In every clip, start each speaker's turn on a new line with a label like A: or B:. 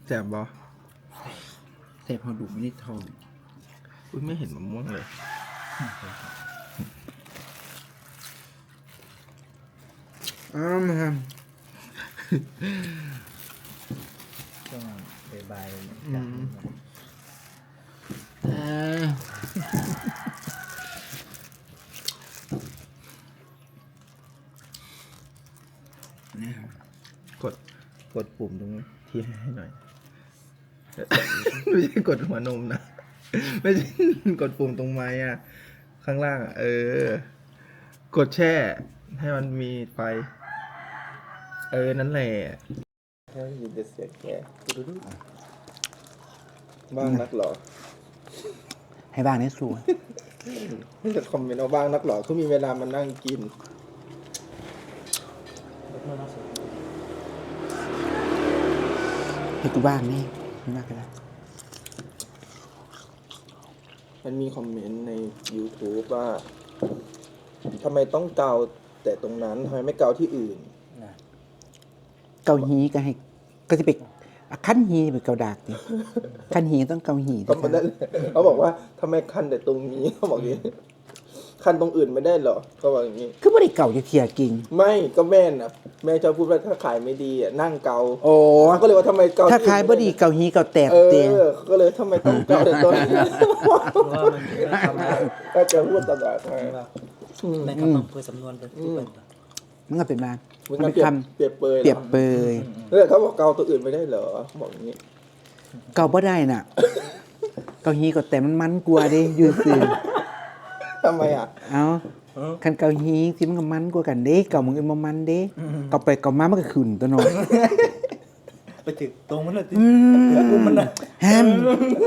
A: แจ่บบ่แต่พอดูไม่ได้ทองอุ้ยไม่เห็นมะม่วงเลยอ้าวมา
B: ช่วงบ่าย
A: กดปุ่มตรงที่ให้หน่อยไม่ใช่กดหัวนมนะไม่ใช่กดปุ่มตรงไม้อ่ะข้างล่างอ่ะกดแช่ให้มันมีไฟนั่นแหละแค่ยินแต่เสียงแกบ้างนักหรอ
C: ให้บ้างนี่สู้
A: ไม่จะคอมเมนต์เอาบ้างนักหรอเขามีเวลามานั่งกิน
C: ให้กูบ้างนี่ไม่มากก็ได้
A: มันมีคอมเมนต์ใน YouTube ว่าทำไมต้องเกาแต่ตรงนั้นทำไมไม่เกาที่อื่น
C: เกาหีก็ให้ก็จะไปขั้นหีไปเกาดากดิขั้นหีต้องเกาหี
A: ก็ไม่ได้เขาบอกว่าทำไมคันแต่ตรงนี้เขาบอกอย่างนี้คันตรงอื่นไม่ได้หรอเขาบอกอย่างนี้
C: คือไม่ได้เกาจะเทียกิง
A: ไม่ก็แม่นะแม่จะพูดว่าถ้าขายไม่ดีอ่ะนั่งเกา
C: โอ้
A: ก็เลยว่าทำไมเกา
C: ถ้าขายไม่ดีเกาหีเกาแตกเตีย
A: ก็เลยทำไมต้องเกาแต่ตรงนี้ก็จะพูดตลอด
B: ในคำนองเพื่อสำนวนเป็น
C: มันก็เป็นมา
A: มันเป็นคำเปรียบเปยเขาบอกเกาตัวอื่นไม่ได้เหรอบอกอย่างนี้
C: เกาไม่ได้น่ะเกาหีเกาแต่มันกลัวดิยืนซื่อ
A: ทำไมอ่ะ
C: เอาคันเกาหีที่มันก็มันกว่ากันเด้เกามึงเอ็มมันเด้เกาไปเกามามันก็ขึ้นตัวน้อย
B: ไปถึงตรงมันเลยมันน่ะ
C: แฮม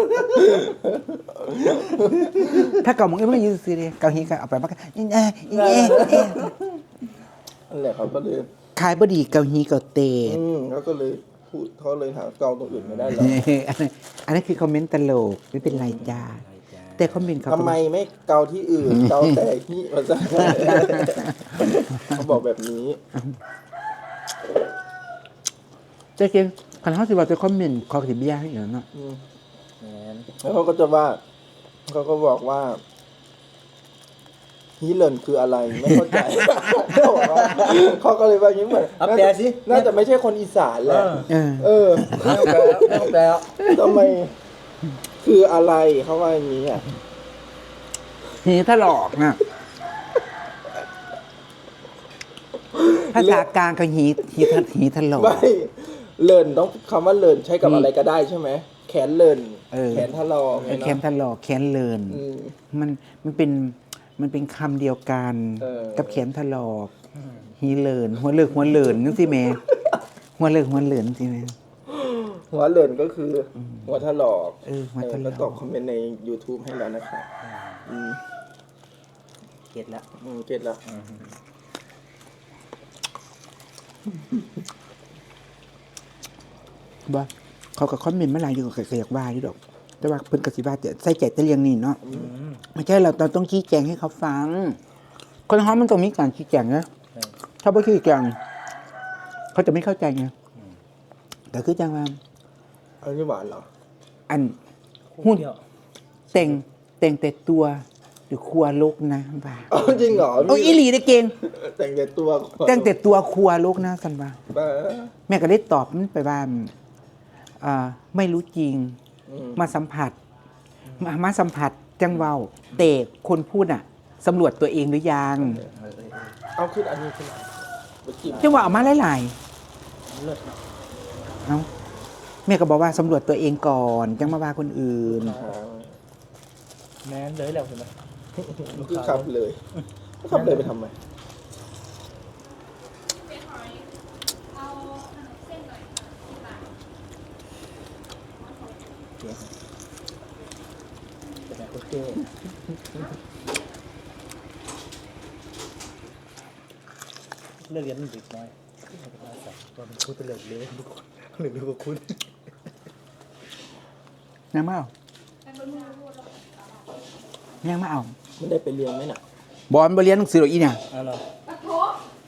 C: ถ้าเกามึงเอ็มมันยืนซื่อดิเกาหีก็เอาไปมันก็
A: นั่นแหละเขาก็เลย
C: ขายบดีเกาหีเกาเตะ
A: เขาก็เลยพูดเขาเลยหาเกาตรงอื่นไม่ได้หรอ
C: อันนั้นคือคอมเมนต์ตลกไม่เป็นไรจ้าแต่คอมเมนต์
A: ทำไมไม่เกาที่อื่นเกาแต่ที่มาซะเขาบอกแบบนี้
C: เจ๊เก่งคันเขาสิว่าจะคอมเมนต์ขอสิบยาให้อย่างนั้นเนาะ
A: แล้วเขาก็จะว่าเขาก็บอกว่าฮีเลนคืออะไรไม่เข้าใจเขาก็เลยว่าอย่างนี้เหมือน
B: แปลสิ
A: น่าจะไม่ใช่คนอีสานแหละ
B: แปล
A: ทำไมคืออะไรเขาว่าอย่างนี้อ่ะ
C: หีถลอกนะภาษากลางก็หีถลอก
A: ไม่เลินต้องคำว่าเลินใช้กับอะไรก็ได้ใช่ไหมแขนเลินแขนถลอก
C: แขนถลอกแขนเลินมันเป็นคำเดียวกันกับแขนถลอกหีเลินหัวเลินนึกสิแม่หัวเลินสิแม่
A: หัวเลินก็คือหัวถลอก
C: แล้ว
A: ตอบคอมเมนต์ใน YouTube ให้แล้วนะครับ
B: เก็ตแล้ว
A: เก็ตแล้ว
C: บ่เขาก็คอมเมนต์มาหลายอยู่ก็อยากว่าอยู่ดอกแต่ว่าเพิ่นก็สิว่าใส่ใจแต่เรื่องนี้เนาะไม่ใช่เราต้องชี้แจงให้เขาฟังคนเฮามันต้องมีการชี้แจงนะถ้าบ่ชี้แจงเขาจะไม่เข้าใจไงแต่คือจังว่า
A: อันนี้หวานเหรอ
C: อันหุ้นแต่งแต่ตัวหรือครัวลกนะว่า
A: จริงเหรอ
C: อีหลีได้เก่ง
A: แต่งแต่
C: ตัวครัวลกนะกันว่าแม่ก็ได้ตอบมันไปว่าไม่รู้จริงมาสัมผัสจังเว้าแต่คนพูดสำรวจตัวเองหรือยัง
A: เอาขึ้นอันนี้ขึ้น
C: จังว่าเอามาหลายๆเอาแม่ก็บอกว่าสำรวจตัวเองก่อนจังมาว่าคนอื่น
B: แม้เลยแล้วใช่ไหม
A: คือขับเลยไปทำไม
B: โอเคเลิกเรียนมันดึกน้อยตอนพูดตะเลิกเลยทุกคนหรือว่าคุณ
C: ยังไม่เอา
A: ไม่ได้ไปเรียนไหมน่ะ
C: บอลไปเรียนหนังสือหรออีเนี่ย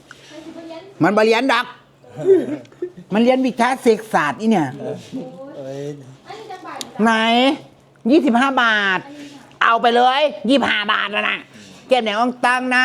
C: มันไปเรียนดักมันเรียนวิชาเศรษฐศาสตร์อีเนี่ย
B: ย
C: ไหน25 บาท เอาไปเลย25 บาทแล้วนะแก้มแหนงอ่องตังนะ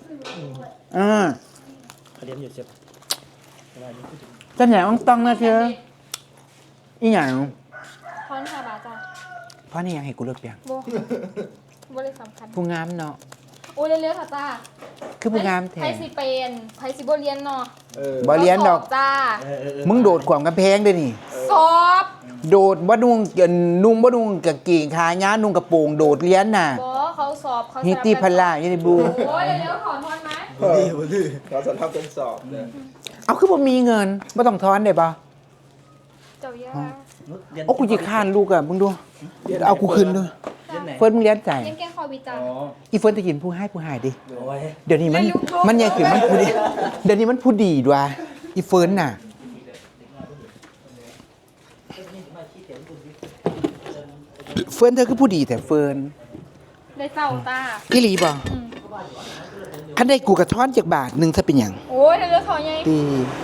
B: เขาเรียนอยู่เจ็บอะไรนี่พูดถึง
C: แก้มแหนงอ่องตังนะเธออีหยัง
D: ทอน5 บาทจ้ะ
C: เพราะนี่ยังให้กูเลิกเปียง
D: โบบ่ได้สำคัญ
C: ผู้งามเนาะ
D: โอ้เร็วๆค่ะจ้า
C: คือผู้งามแท้
D: ไผสิเป็นไผสิบ่เรียนเนาะ
C: บ่เรียนดอก
D: สบจ้า
C: มึงโดดขวามกำแพงด้วยนี่
D: สอบ
C: โดดบ่นุ่งนุ่งบ่นุ่งกางเกงขาย้านุ่งกระโปรงโดดเรียนน่ะ
D: บ่เขาสอบเขา
C: ฮิตตี้พันล่าอยู่ในบู
D: โอ้ยเร็วๆขอทอนไหม
B: ดี
A: เขาสำทับเป็นสอบเลย
C: เอาคือบ่มีเงินบ่ต้องทอนได้ป่ะ
D: เจ้าย่า
C: โอ้กูจะค้านลูกอ่ะมึงดูเอากูคืนด้วย
B: เรียนไหน
C: เฟิร์นมึงเรียนใจ
D: เรียนแกงคอวิจ้า
B: อ๋อ
C: อีเฟิร์นจะกินผู้ให้ผู้หายดิ
B: โอ้ย
C: เดี๋ยวนี้มัน
D: ไม่รู้
C: มันยังคือมันผู้ดีเดี๋ยวนี้มันผู้ดีด้วยอีเฟิร์นน่ะเฟิร์นเธอคือผู้ดีแต่เฟิร์น
D: ได้เจ้าตา
C: พี่ลีบ่คันได้กูกระท้อนจากบาทหนึงถ้าเป็นหยัง
D: โอ้ยเร็วๆขอไง
C: ดี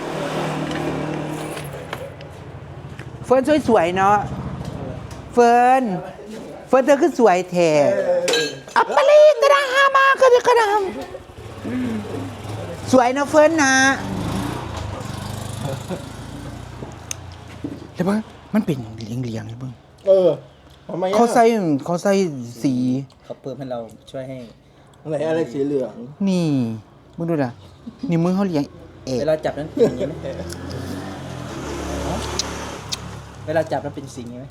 C: เฟิร์นสวยๆเนาะเฟิร์นเธอคือสวยแท้อัปปะลีตระหามากระดำสวยนะเฟิร์นนะเดี๋ยวเบิ่งมันเป็นเลียงๆเลยเบิ่ง
A: ทำไมอะ
C: เขาใส่สี
B: เขาเพิ่มให้เราช่วยให้
A: อะไรสีเหลือง
C: นี่มึงดูล่ะนี่มือเขาเลี้ยงเอก
B: เวลาจับนั้นเป็นอย่างนี้ไหมเวลาจับนั้นเป็นสิ่งนี้ไหม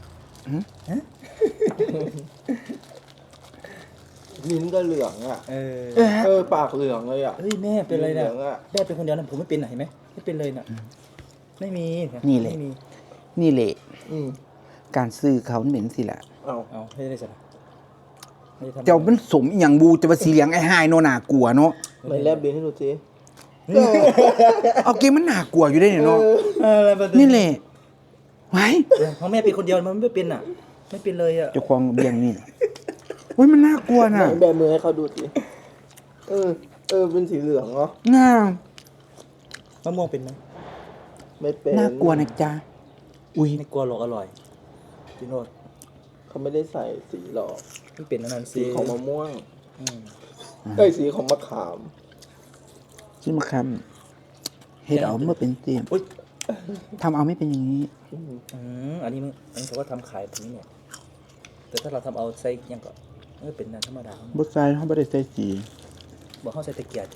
A: ลิ้นก็เหลืองอ่ะ ปากเหลืองเลยอ่ะ
B: เฮ้ยแม่เป็นอะไร
A: เหลื
B: นะ
A: องอะ
B: แม่เป็นคนเดียวนะผมไม่เป็นนะเห็นไหมไม่เป็นเลยน่ะไม่มี
C: นี่แหละ
B: ไม่มี
C: นี่แหละ
A: อืม
C: การซื้อเขาเหม็นสิล่ะ
A: เอา
B: เอาไม่ได้สินะไม่ได้ทำ
C: เจ้ามันสมอหย่างบูจะมาสีเหลียงไอ้หายโนน่ากลัวเนาะ
A: ไม่แลบบินให้ดูสิ
C: เอาเกมมันน่ากลัวอยู่ได้เนี่ยเนาะ
B: อะไรแบบ
C: นี่แหละไว้
B: เพราะแม่เป็นคนเดียวมันไม่เป็นอ่ะ ไม่เป็นเลยอ่ะ
C: เจ้าของเบียงนี่เฮ้ยมันน่ากลัวน่ะ
A: แบมือให้เขาดูสิเป็นสีเหลืองเนาะ
C: น่าม
B: ะม่วงเป็นไหม
A: ไม่เป็น
C: น่ากลัวนะจ๊ะอุ้ย
B: ไม่กลัวหรอกอร่อยพี่โนด
A: เขาไม่ได้ใส่สีหรอก
B: ไม่เป็นนั่น
A: สีของมะม่วง
B: อืม
A: สีของมะขาม
C: ชิมาคำเฮ็ดเอาเมื่อเป็นเตียม
B: อุ๊ย
C: ทำเอาไม่เป็นอย่างนี้
B: อันนี้เขาก็ทำขายแบบนี้เนี่ย แต่ถ้าเราทำเอาใส่ยังก็เป็นน้ำธรรมดา
C: บดใส่เขาไม่ได้ใส่สี
B: บอกเขาใส่ตะเกียบ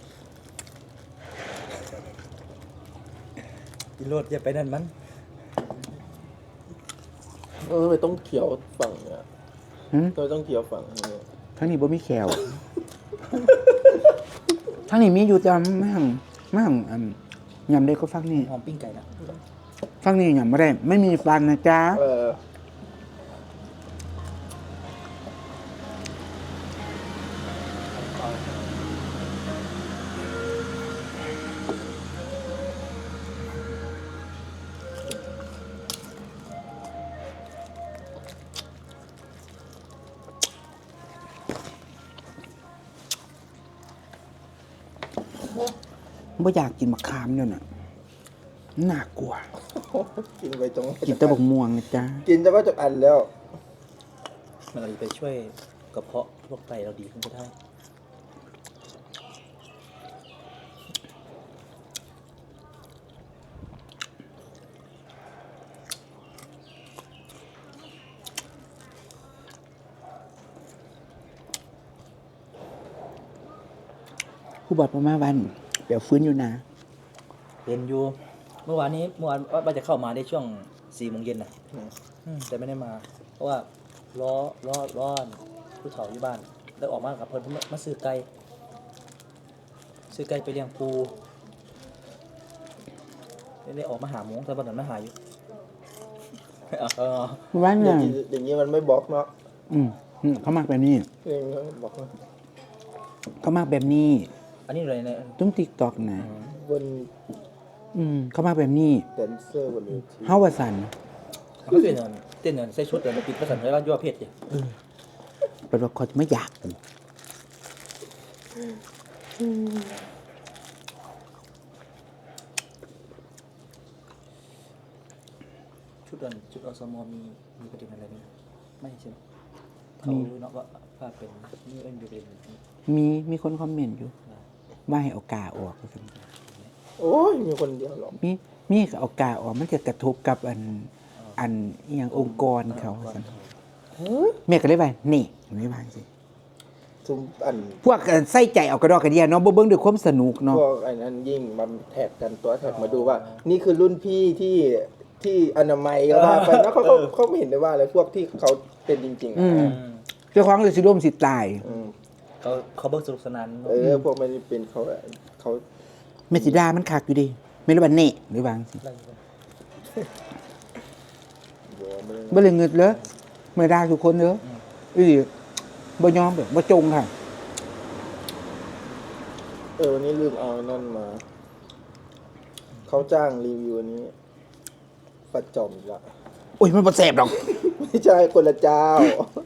B: พี่โรดอย่าไปนั่นมัน
A: ไม่ต้องเขียวฝั่งเนี่ย
C: หึ
A: เราต้องเขียวฝั่งนี้
C: ทั้งนี้บ่มีแขวทั้งนี้มีอยู่แต่ไม่หังยำได้ก็ฟังนี่
B: หอมปิ้งไก่นะ
C: ฟังนี่ยำไม่ได้ ไม่มีฟันนะจ๊ะ ไม่อยากกินมะขามเนี่ยน่ะน่ากลัว
A: กินไปตรง
C: กินแต่บกม่วงนะจ๊ะ
A: กินจะว่าจะอันแล้ว
B: มันอาจจะไปช่วยกระเพาะโรคไตเราดีขึ้นก็ได้
C: ผู้บอดประมาวันเปลวฟื้นอยู่นะ
B: เป็นอยู่ เมื่อวานว่าจะเข้ามาได้ช่วง4 โมงเย็นนะแต่ไม่ได้มา เพราะว่าร้อนผู้เฒ่าอยู่บ้าน แล้วออกมากับเพิ่นมาซื้อไก่ไปเลี้ยงปูได้ออกมาหาหมูแต่บัดนั้นมาหาอยู่
C: วัน
A: อย่า
C: น่ะ
A: งนี้อย่างนี้มันไม่บล็อกเนาะ
C: เขามากแบบนี้
A: อย่างนี้บล็อกนะ
C: เขามากแบบนี้
B: อันนี้เลยเนี่ย
C: ต้องติ๊กตอกนะ
A: บน
C: เขามากแบบนี้
A: แดนเซอร์บนเวที
C: เฮาวาสัน
B: เขาเต้นใส่ชุดเดินปิดภาษาไทยว่ายั่วเพศเนี่ย
C: เป็นว่าเขาจะไม่อยากกู
B: ชุดอสมมีประเด็นอะไรไหมไม่ใช่ไหมเขารู้เนาะว่าเป็นนี่เป็นประเด็น
C: มีคนคอมเมนต์อยู่ว่าให้เอากาออกว่าซั่น
A: โอ้ยมีคนเดียวหรอก
C: มีเอากาออกมันจะกระทบกับอันอหย่างองค์กรเขาว่าซั่นแม่ก็เลยว่านี่ไม่ว่าสิ
A: ซุมอัน
C: พวกใส่ใจเอากระดอกกระเดียเนาะบ่เบิ่งด้วยความสนุกเนาะ
A: พวกไอ้นั้นยิ่งมาแท็กกันตัวแท็กมาดูว่า นี่คือรุ่นพี่ที่อนามัยก็ว่าไปแล้วเขาไม่เห็นได้ว่าอะไรพวกที่เขาเป็นจริงๆ
C: อื
A: อ่ะ
C: มเจ้าของเลยสิร่วมสิตาย
A: อืม
B: เขาเบิกสนุกสนานเนอะ
A: พวกมันเป็นเขา
C: แม่สิดามันคักอยู่ดิไม่รู้ว่าเน่หรือว่าจังซี่
B: ได้อยู่
C: บ่เลยเงิดเลยไม่ได้ทุกคนเด้ออีบ่ยอมแบบบ่จงค่ะ
A: วันนี้ลืมเอานั่นมา เขาจ้างรีวิวอันนี้ประจอมอีกละ
C: โอ้ยมันบ่แซ่บดอก
A: ไม่ใช่คนละเจ้า